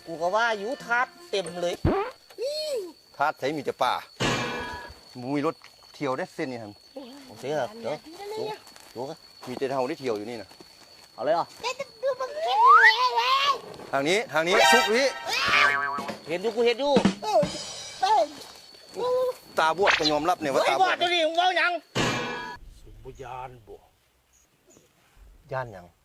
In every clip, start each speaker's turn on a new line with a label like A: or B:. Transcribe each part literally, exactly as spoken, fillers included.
A: กูก็ว่าอยู่ทาดเต็มเลย
B: ทาดใส่มีแต่ป่ามีรถเที่ยวได้เส้นนี่ครับ
A: โอเคครับเดี๋ยวดูดูกัน
B: มีแต่เท่าที่เที่ยวอยู่นี่นะ
A: เอาเลยเหรอ
B: ทางนี้ทางนี้ซุกนี้
A: เห็นอยู่กูเห็นอยู่
B: ตาบวดก็ยอมรับเนี่ยว่าตาบวด
A: ตัวนี้มึงเอายัง
C: สุบยานบ่
B: ย่านยัง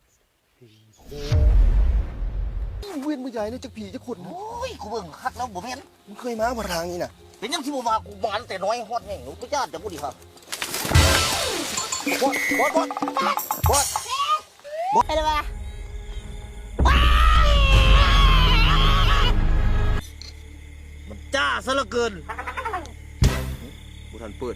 B: เวียนมือใหญ่เนี่ยจะผีจะขุด
A: โอ้ยกูเบิ่งคักแล้วบ่เห็น
B: มึงเคยมามาทางนี้น่ะ
A: เป็นยังที่บ่มากูมาตั้งแต่น้อยฮอดแห่งหนูกูญาติจะพูดดีครับบอดบอดบอดบอดบอดอะไรวะมันจ้าซะเหลือเกิน
B: บุทันเปิด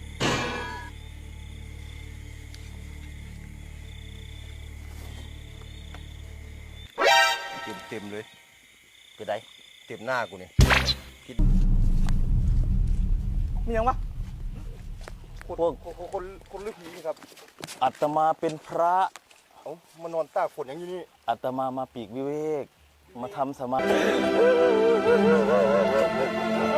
B: เต็มเต็มเลย
A: เป็นไร
B: เต็มหน้ากูเนี่ยคิด
A: มียังวะ
B: คนคนคนคนลึกผีครับ
C: อาตมาเป็นพระ
B: เอ้ามานอนตากฝนอย่างนี้นี่
C: อาตมามาปีกวิเวกมาทำสมาธิ